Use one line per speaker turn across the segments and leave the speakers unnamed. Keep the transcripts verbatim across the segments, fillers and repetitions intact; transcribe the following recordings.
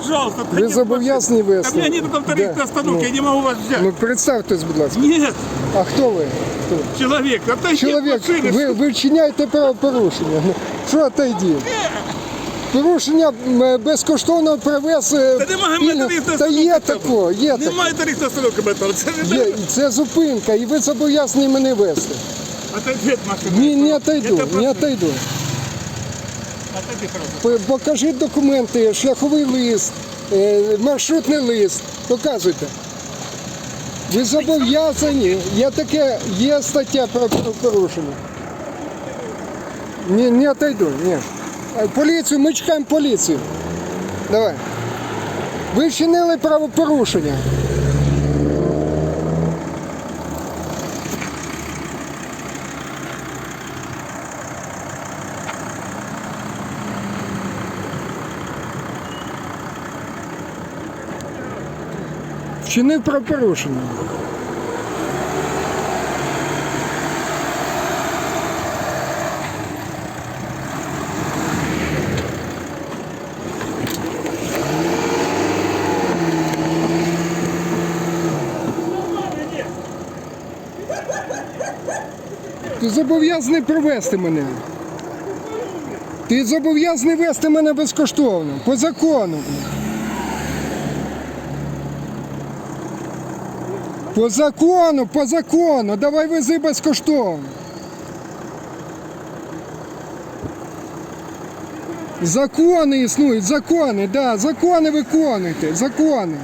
Пожалуйста,
Ви
отойдите
зобов'язані
от машины.
вести?
Да у меня нету там вторых
Да.
остановки,
Ну.
я не могу вас взять.
Ну представтесь, будь ласка.
Нет,
А хто ви? Хто?
человек, отойди
Чоловік,
от машины.
ви, ви вчиняєте правопорушення. Ну, що отойди? Порушення м, безкоштовно привез. е,
Та немає
пільг-
методичної
Та є
остановки
тако, є таке.
Немає вторых остановок об этом. Це
Є, це зупинка, і ви зобов'язані мене вести.
Отойди от машины.
Ні, не отойду,
Это
не
просто-
отойду.
Отойди, пожалуйста.
П- Покажіть документи, шляховий лист, е, маршрутний лист. Показуйте. Ви зобов'язані. Є таке, є стаття про порушення. Ні, не отойду, ні. Е, Поліцію, ми чекаємо поліцію. Давай. Ви вчинили правопорушення. Вчинив правопорушення. Ти зобов'язаний провести мене. Ти зобов'язаний вести мене безкоштовно, по закону. По закону, по закону, давай вези безкоштовно. Закони існують, закони, да, закони виконуйте, закони.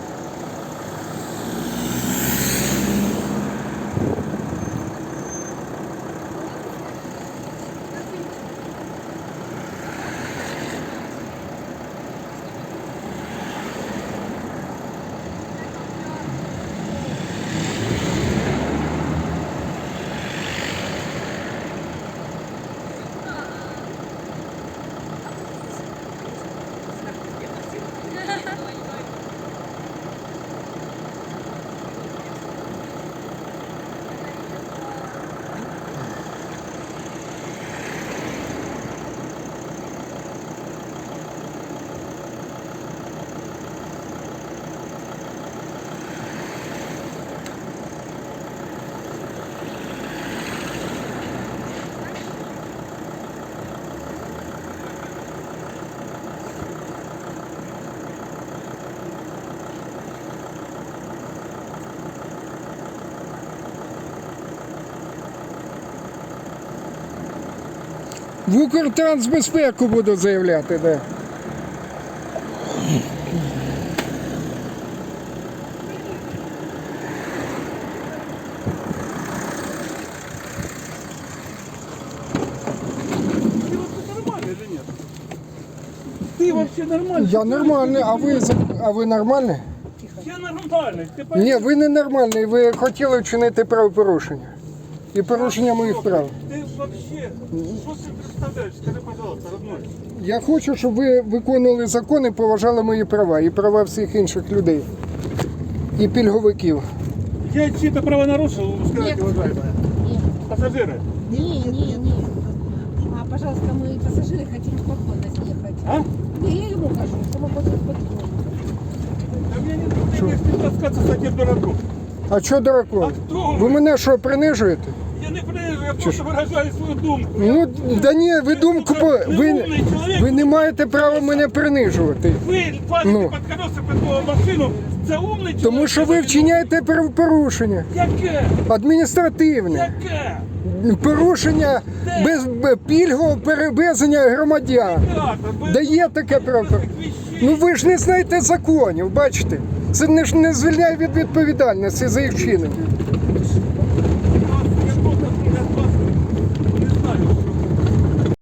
В Укртрансбезпеку буду заявляти, да.
Нормально или нет? Ты вообще нормальный?
Я нормальний, а ви, за- а ви нормальний?
Я нормальный. Ты пойми,
Ні, ви не нормальний, ви хотіли вчинити правопорушення. І порушення моїх прав.
Ты вообще, что ты представляешь? Скажи, пожалуйста, родной.
Я хочу, щоб ви виконували закони, поважали мої права і права всіх інших людей. І пільговиків.
Я чьи-то права нарушил, скажите, уважаемые.
Нет,
Пассажиры.
не, не, не. А, пожалуйста, мы пассажиры хотим спокойно съехать.
А?
Не, я ему кажу, что мы хотим спокойно.
Да мне не нужно с ним таскаться с таким дураком.
А що дураком?
А хто ви?
Ви мене що, принижуєте?
Я не принижу, я просто выражаю свою думку.
Ну, да ні, ви думку, по... ви, ви не маєте права мене принижувати.
Ви падаєте
Ну.
під колеса під мою машину, це умний чоловік.
Тому що ви вчиняєте правопорушення.
Яке?
Адміністративне.
Яке?
Порушення без б- пільгового перевезення громадян.
Так, ви-
Дає таке право. Ну ви ж не знаєте законів, бачите? Це не ж не звільняє від відповідальності за їх вчинення.